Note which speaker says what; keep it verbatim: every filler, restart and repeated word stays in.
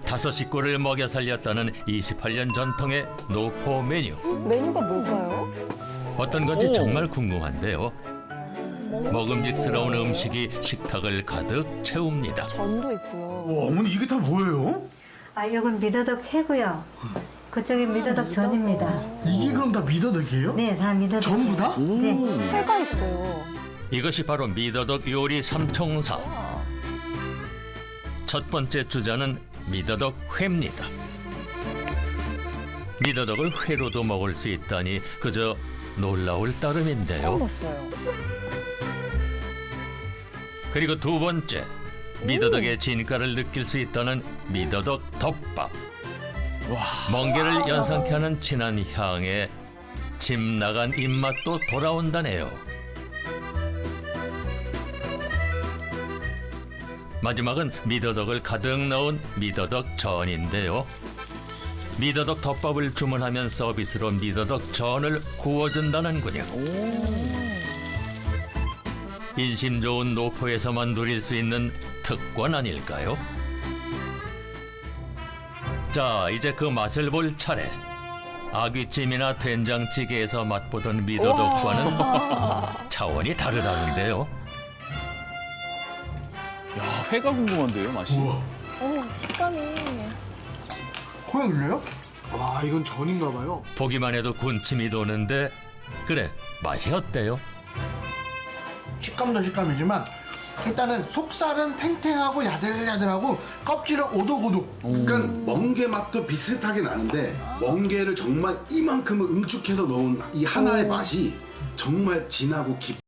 Speaker 1: 다섯 식구를 먹여 살렸다는 이십팔 년 전통의 노포 메뉴.
Speaker 2: 메뉴가 뭘까요?
Speaker 1: 어떤 건지 정말 궁금한데요. 먹음직스러운 음식이 식탁을 가득 채웁니다.
Speaker 2: 전도 있고요.
Speaker 3: 와, 어머니 이게 다 뭐예요?
Speaker 4: 아, 이건 미더덕 회고요. 그쪽이 미더덕 전입니다.
Speaker 3: 이게 그럼 다 미더덕이에요?
Speaker 4: 네, 다 미더덕.
Speaker 3: 전부 다?
Speaker 4: 네.
Speaker 2: 회가 있어요.
Speaker 1: 이것이 바로 미더덕 요리 삼총사. 첫 번째 주자는 미더덕 회입니다. 미더덕을 회로도 먹을 수 있다니 그저 놀라울 따름인데요.
Speaker 2: 처음 봤어요.
Speaker 1: 그리고 두 번째, 미더덕의 진가를 느낄 수 있다는 미더덕 덮밥. 멍게를 연상케 하는 진한 향에 집 나간 입맛도 돌아온다네요. 마지막은 미더덕을 가득 넣은 미더덕 전인데요. 미더덕 덮밥을 주문하면 서비스로 미더덕 전을 구워준다는군요. 인심 좋은 노포에서만 누릴 수 있는 특권 아닐까요? 자, 이제 그 맛을 볼 차례. 아귀찜이나 된장찌개에서 맛보던 미더덕과는 차원이 다르다는데요.
Speaker 5: 야, 회가 궁금한데요, 맛이.
Speaker 3: 우와,
Speaker 2: 어, 식감이.
Speaker 3: 코에 눌려요? 와, 이건 전인가 봐요.
Speaker 1: 보기만 해도 군침이 도는데 그래, 맛이 어때요?
Speaker 3: 식감도 식감이지만 일단은 속살은 탱탱하고 야들야들하고 껍질은 오독오독.
Speaker 6: 그러니까 멍게 맛도 비슷하게 나는데 멍게를 정말 이만큼을 응축해서 넣은 이 하나의 맛이 정말 진하고 깊.